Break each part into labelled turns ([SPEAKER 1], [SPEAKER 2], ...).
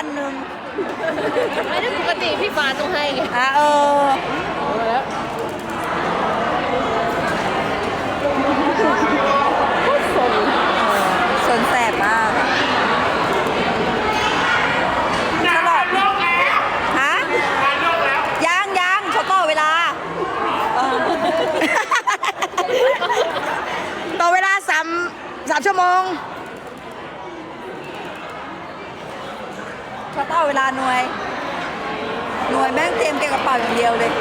[SPEAKER 1] 1,000
[SPEAKER 2] ไม่ได้ปกติพี่ฟ้าต้องให้ไง
[SPEAKER 1] แล้วสนแสบมากตลอดฮะยังเขาต่อเวลาต่อเวลา3 ชั่วโมงเขาต่อเวลาหน่วยแม่งเตรียมเก็บกระเป๋าอย่างเดียวเลย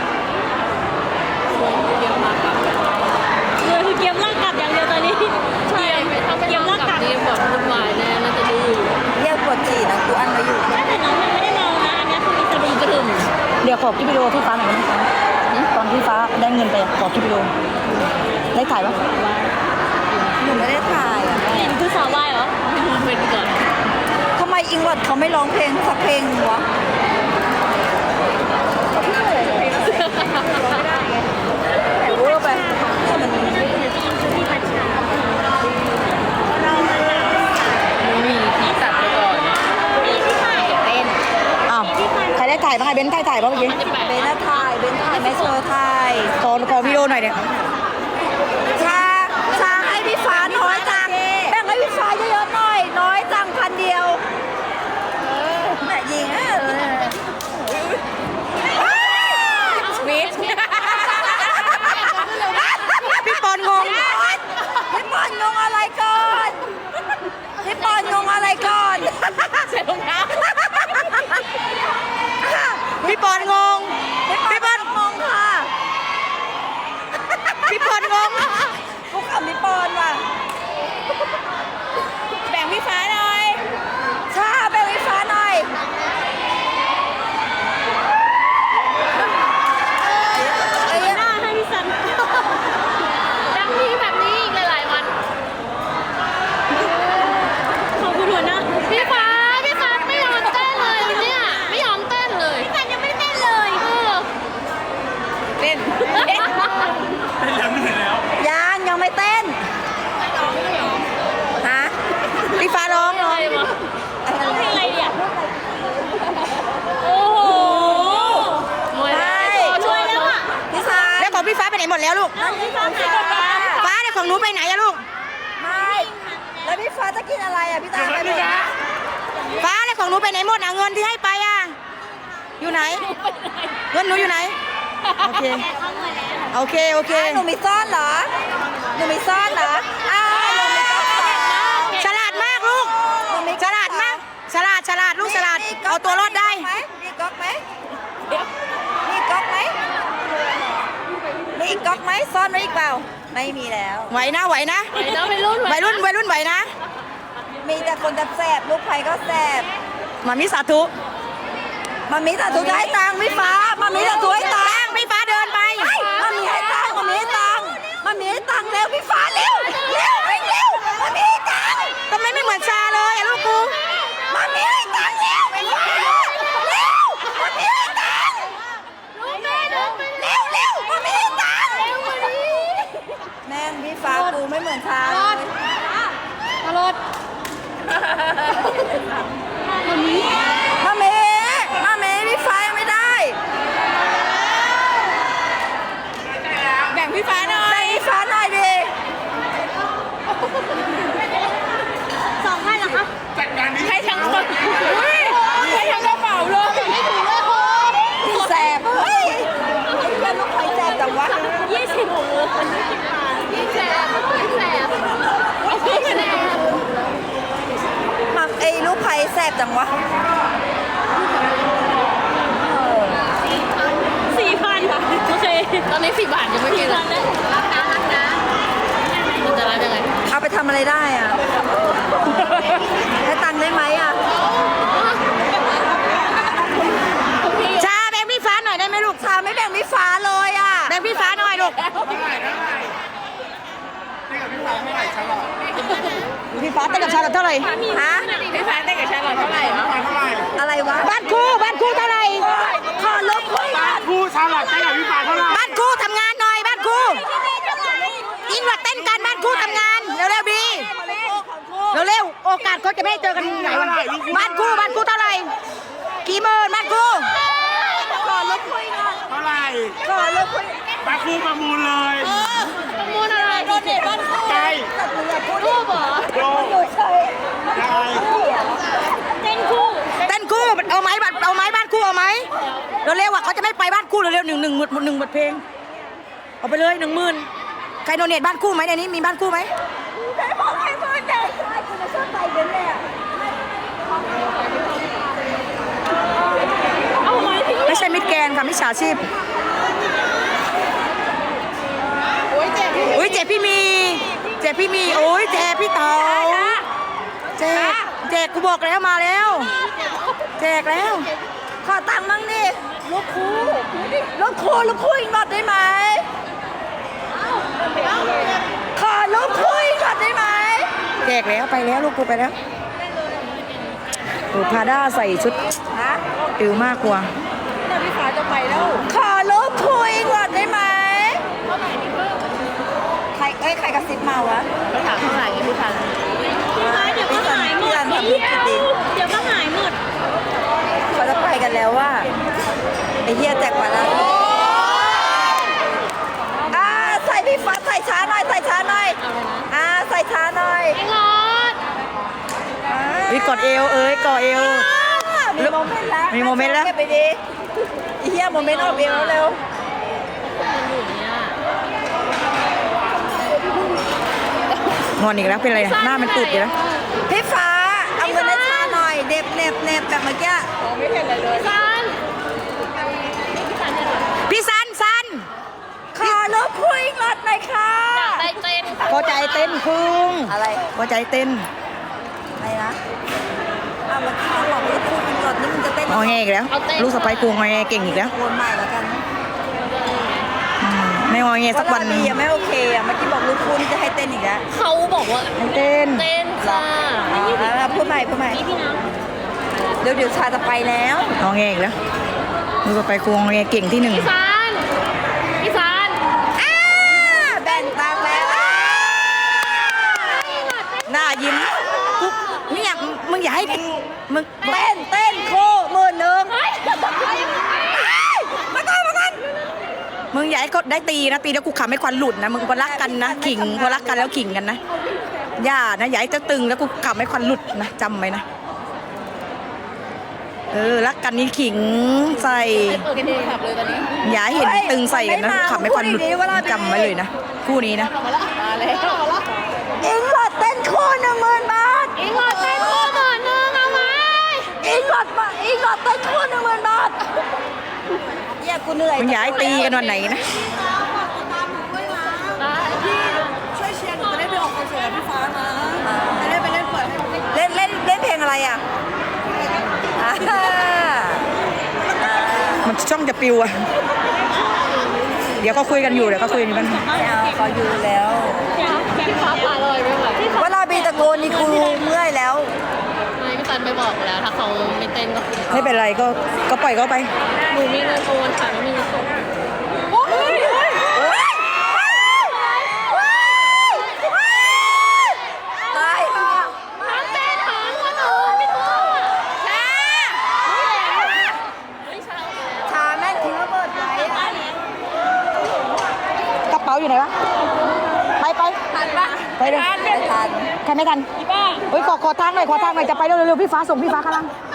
[SPEAKER 3] คือเกมลากกลับอย่างเดียวตอนนี้
[SPEAKER 2] ใช่ถ้าไม่ลองกลับนี่แบบวุ่นวายแน่น่าจะดูอยู่
[SPEAKER 1] เรียกปวดจี่นะกูอันไว้อยู่
[SPEAKER 3] แต่น้องยังไม่ได้เมานะอันนี้คือมีสติ
[SPEAKER 2] กระหึ่ม
[SPEAKER 4] เดี๋ยวขอคลิปวิดีโอที่ฟ้าหน่อยได้ไหมคะตอนที่ฟ้าได้เงินไปขอคลิปวิดีโอได้ถ่ายปะ
[SPEAKER 1] หนูไม่ได้ถ่ายอ่ะ
[SPEAKER 3] เห็นคือสาววายเหรอ
[SPEAKER 2] เป็นก่อน
[SPEAKER 1] ทำไมอิงวัดเขาไม่ร้องเพลงสักเพลงวะแต่เวอร์ไปมัน
[SPEAKER 2] มีที่ตัดไปก่อน
[SPEAKER 4] อ้าวใครได้ถ่ายบ้างไงเบนซ์ถ่ายบ้างเมื่อกี้
[SPEAKER 1] เบนซ์ถ่ายแม่เชอร์ถ่าย
[SPEAKER 4] ขอวิดีโอหน่อยเนี่ย
[SPEAKER 1] ชาให้พี่ฟ้าน้อยจังแบ่งให้พี่ฟ้าเยอะๆหน่อยน้อยจัง1,000 เดียวแม่ยิง
[SPEAKER 2] วิท
[SPEAKER 4] พี่ปอนงง
[SPEAKER 1] พี่ปอนงงอะไรก่อนพี่ปอนงงอะไรก่อน
[SPEAKER 2] ใส่รองเท้า
[SPEAKER 4] พี่ปอนงง
[SPEAKER 1] พี่ปอนงงค่ะ
[SPEAKER 4] พี่ปอนงง
[SPEAKER 1] กูขำพี่ปอนว่ะแบ่งพี่ฟ้าหน่อยชาแบ่งพี่ฟ้าหน่อย
[SPEAKER 3] หน้าให้พี่สัน
[SPEAKER 2] ดังนี้แบบนี้อีกหลายๆวัน
[SPEAKER 3] ขอบคุณหัวหน้า
[SPEAKER 2] พี่ฟ้าไม่ยอมเต้นเลยเนี่ยไม่ยอมเต้นเลย
[SPEAKER 3] พี่สันยังไม่ได้เต้นเลย
[SPEAKER 1] เต้นยังไม่เต้นฮะ
[SPEAKER 4] พี่ฟ้าร้อง
[SPEAKER 2] อะไรวะ
[SPEAKER 3] ร้องเพลงอะไรเนี่ยโอ้โห
[SPEAKER 2] มวยแล้ว
[SPEAKER 3] ช่วยแล้วอ่ะ
[SPEAKER 1] พี่ฟ้า
[SPEAKER 4] แล้วของพี่ฟ้าไปไหนหมดแล้วลูก
[SPEAKER 3] เอาพี่ฟ้าหายไป
[SPEAKER 4] ฟ้าเนี่ยของหนูไปไหนอะลูก
[SPEAKER 1] ไม่แล้วพี่ฟ้าจะกินอะไรอ่ะพี่ตาไปไหม
[SPEAKER 4] ฟ้าเนี่ยของหนูไปไหนหมดอะเงินที่ให้ไปอะอยู่ไหนเงินหนูอยู่ไหนโอเคโอเคโอเค
[SPEAKER 1] หนูมีซ่อนเหรอหนูมีซ่อนเหรออ้าวหนูมีซ่อนเหรอ
[SPEAKER 4] ฉลาดมากลูก
[SPEAKER 1] หนูมี
[SPEAKER 4] ฉลาดมากฉลาดลูกฉลาดเอาตัวรอดได้
[SPEAKER 1] มีก๊อกไหมมีก๊อกไหมมีอีกก๊อกไหมซ่อนไว้อีกเปล่าไม่มีแล้ว
[SPEAKER 4] ไหวนะ
[SPEAKER 2] ไปนะไปรุ่น
[SPEAKER 4] วัยรุ่นไหวนะ
[SPEAKER 1] มีแต่คนแสบลูกไผ่ก็แสบ
[SPEAKER 4] มามิสาธุ
[SPEAKER 1] มามีแต่ถูกให้ตังค์พี่ฟ้ามามีแต่ถูกให้ตังค์
[SPEAKER 4] พี่ฟ้าเดินไป
[SPEAKER 1] มามีให้ตังค์มามีให้ตังค์มามีให้ตังค์เร็วพี่ฟ้าเร็วเร็วเร็วมามีให้ตังค์
[SPEAKER 4] ทำไมไม่เหมือนชาเลยอะลูกกู
[SPEAKER 1] มามีให้ตังค์เร็วพี่ฟ้าเร็วมามีให้ตังค์
[SPEAKER 2] ลูกแม่เดินไป
[SPEAKER 1] เร็วเร็วมามีให้ตังค์
[SPEAKER 2] เร็วกว่านี้
[SPEAKER 1] แม่งพี่ฟ้ากูไม่เหมือนชาเลย
[SPEAKER 2] อรด
[SPEAKER 1] มามีพี่ฟ้ายังไม่ได้
[SPEAKER 2] แบ่งพี่ฟ้าหน่อย
[SPEAKER 1] แบ่งพี่ฟ้าหน่อยดิ
[SPEAKER 3] 2,000เหรอคะ
[SPEAKER 2] ให้ทั้งคนให้ทั้งกระเป๋าเลยไม่ถึงเลยคุณ
[SPEAKER 1] แสบเฮ้ยเพื่อนลูกไผ่แสบจังวะ
[SPEAKER 3] 20
[SPEAKER 2] ยิ่งแสบยิ่งแสบ
[SPEAKER 1] มักไอ้ลูกไผ่แสบจังวะ
[SPEAKER 3] 4,000ค่ะโอเค
[SPEAKER 2] ตอนนี้4 บาทยังไม่กินเลย
[SPEAKER 3] รับนะ
[SPEAKER 2] มันจะรับยังไง
[SPEAKER 1] เอาไปทำอะไรได้อ่ะให้ตังค์ได้ไหมอ่ะ
[SPEAKER 4] ชาแบ่งพี่ฟ้าหน่อยได้ไหมลูก
[SPEAKER 1] ชาไม่แบ่งพี่ฟ้าเลยอ่ะ
[SPEAKER 4] แบ่งพี่ฟ้าหน่อยลูกพี่ฟ้าเต้นกับชาลอตเท่าไหร่
[SPEAKER 1] ฮะ
[SPEAKER 2] พี่ฟ้าเต้นกับชาลอตเท่าไหร่
[SPEAKER 1] อะไรวะ
[SPEAKER 4] บ้านครูเท่าไหร่
[SPEAKER 1] ขอลบคุยกัน
[SPEAKER 5] ผู้ชาลัดได้กับพี่ฟ้าเท่าไหร่
[SPEAKER 4] บ้านครูทำงานหน่อยบ้านครูอิงวัดเต้นกันบ้านครูทำงานเร็วๆดีเร็วๆโอกาสเขาจะไม่ได้เจอกันไหนวะบ้านครูเท่าไหร่
[SPEAKER 1] ข
[SPEAKER 4] กี่หมื่นบ้านกู
[SPEAKER 1] ขอลูกคุยก่อน
[SPEAKER 5] เท่าไหร่
[SPEAKER 1] ขอลูกคุย
[SPEAKER 5] ปาคูประมูลเลย
[SPEAKER 2] ประมูลอะไรโดนเด็ดบ้านคู่
[SPEAKER 5] ใช่
[SPEAKER 1] แต่มึงอย่าพูด
[SPEAKER 2] รูปเหรอ
[SPEAKER 5] โย
[SPEAKER 1] อยู่เฉย
[SPEAKER 5] ยังไง
[SPEAKER 2] เต้นคู่
[SPEAKER 4] เต้นคู่เอาไหมบ้านคู่เอาไหมเร็วๆอ่ะเขาจะไม่ไปบ้านคู่เร็วๆหนึ่งบทเพลงเอาไปเลย10,000ใครโดเนทบ้านคู่ไหมในนี้มีบ้านคู่ไหม
[SPEAKER 1] ได้บอกให้มึงเด็กใช่กูจะชอบไปเดินเลยอ่ะ
[SPEAKER 2] เอาไหมพี่
[SPEAKER 4] ไม่ใช่มิดแกนค่ะมิจฉาชีพ
[SPEAKER 2] โอ้ยเจ็บ
[SPEAKER 4] อุ้ยเจ็บพี่มีโอ้ยเจ็บพี่เต๋าแจกกูบอกแล้วมาแล้วแจกแล้ว
[SPEAKER 1] ขอตังค์มั่งดิลูกคู่ลูกคู่อีกหน่อยได้ไหมขอลูกคู่อีกหน่อยได้ไหม
[SPEAKER 4] แจกแล้วไปแล้วลูกกูไปแล้วโอ้พาด้าใส่ชุด
[SPEAKER 1] ฮะ
[SPEAKER 4] ติวมากกว่า
[SPEAKER 2] แต่พี่ฟ้าจะไปแล้ว
[SPEAKER 1] ขอลูกคู่อีกหน่อยได้ไหมใครกระซิบมาวะ
[SPEAKER 2] เขาถามเท่าไหร่พี่ฟ้าพี่ฟ้าเดี๋ยวก็หายหมดเดี๋ยวก็หายหมด
[SPEAKER 1] เขาจะไปกันแล้วว่าไอ้เหี้ยแจกกว่าแล้วใส่พี่ฟ้าใส่ช้าหน่อยใส่ช้าหน่อยใส่ช้าหน่อย
[SPEAKER 2] ไอ้รถ
[SPEAKER 4] วิกอดเอวกอดเอว
[SPEAKER 1] มีโมเมนต์แล้ว
[SPEAKER 4] มีโมเมนต์แล้ว
[SPEAKER 1] เก็บไปดิไอ้เหี้ยโมเมนต์ออกเอวเร็ว
[SPEAKER 4] งอนอีกแล้วเป็นอะไรหน้ามันตุดอยู่แล้ว
[SPEAKER 1] พี่ฟ้าเอาเงินให้ช้าหน่อยเด็บเน็บแบบเมื่อกี้
[SPEAKER 2] ไม่เห็นอะไรเลยซัน
[SPEAKER 4] พี่ซัน
[SPEAKER 1] ขอลูกคุยรถหน่อยค่ะ
[SPEAKER 2] ได้เต้น
[SPEAKER 4] พอใจเต้นพึ่ง
[SPEAKER 1] อะไร
[SPEAKER 4] พอใจเต้น
[SPEAKER 1] อะไรนะเมื่อกี้เขาบอกลูกคุยรถนี่มึงจะเต้น
[SPEAKER 4] งอแงอีกแล้ว ลูกสะใภ้กูงอแงเก่งอีกแล้ว
[SPEAKER 1] โอนใหม่แล้วกัน
[SPEAKER 4] ไม่งอแงสักวัน
[SPEAKER 1] ดียังไม่โอเคอ่ะเมื่อกี้บอกลูกคุยจะให้เต้นอีกแล้ว
[SPEAKER 2] เขาบอกว่า
[SPEAKER 4] เต้น
[SPEAKER 2] เต้นค่ะ
[SPEAKER 1] พูดใหม่
[SPEAKER 2] นี่พี่น้ำ
[SPEAKER 1] เดี๋ยวชาจะไปแล้ว
[SPEAKER 4] งอแงอีกแล้วลูกสะใภ้กูงอแงเก่งที่หนึ่ง
[SPEAKER 2] พี่ซัน
[SPEAKER 1] แบ่งตังค์แล้ว
[SPEAKER 4] หน้ายิ้มกูเนี่ยมึงอย่าให้มึง
[SPEAKER 1] เต้นคู่10,000มาก่อน
[SPEAKER 4] มึงอย่าให้เขาได้ตีนะตีแล้วกูขำให้ควันหลุดนะมึงพอรักกันนะขิงพอรักกันแล้วขิงกันนะอย่านะอย่าให้เจ้าตึงแล้วกูขำให้ควันหลุดนะจำไว้นะรักกันนี่ขิงใส่
[SPEAKER 2] เปิดเพลงขับเลยตอนนี้
[SPEAKER 4] อย่าให้เห็นตึงใส่กันนะขำให้ควันหลุดจำไว้เลยนะคู่นี้นะ
[SPEAKER 2] มาแล้ว
[SPEAKER 1] อิงหลอดเต้นคู่10,000 บาท
[SPEAKER 2] อิงหลอดเต้นคู่หน่อยนึงเอาไหม
[SPEAKER 1] อิงหลอดเต้นคู่10,000 บาทเหี้ยกูเหนื่อย
[SPEAKER 4] มึงอย่าให้ตีกันวันไหนนะ
[SPEAKER 1] ช่วยเชียร์หนูจะได้ไปออกคอนเสิร์ตกับพี่ฟ้านะจะได้ไปเล่นเปิดเล่นเพลงอะไรอ่ะ
[SPEAKER 4] มันช่องจะปิวอะเดี๋ยวก็คุยกันอยู่มัน
[SPEAKER 1] ไม่เอาเขาอยู่แล้ว
[SPEAKER 2] พี่ฟ้าพาเลยไม่ไหวพี่
[SPEAKER 1] เวลาบีตะโกนนี่กูเมื่อยแล้ว
[SPEAKER 2] พี่ซันไปบอกแล้วถ้าเขาไม่เต้นก็
[SPEAKER 4] ไม่เป็นไรก็ปล่อยเขาไป
[SPEAKER 2] หนูมีเงินโอนค่ะไม่มีเงินสด
[SPEAKER 1] ตายค่ะ
[SPEAKER 2] ทั้งเต้นทั้งคนอื่นไม่ทั่วไม่ใช่
[SPEAKER 1] ชาแม่งทิ้งระเบิดไว้อะ
[SPEAKER 4] กระเป๋าอยู่ไหนวะไป
[SPEAKER 1] ทันปะ
[SPEAKER 4] ไปเลย
[SPEAKER 1] ไม่ทัน
[SPEAKER 4] ใครไม่ทัน
[SPEAKER 2] พี่ป้า
[SPEAKER 4] เฮ้ยขอทางหน่อยจะไปเร็วๆพี่ฟ้าส่งพี่ฟ้าข้างล่าง
[SPEAKER 1] ไ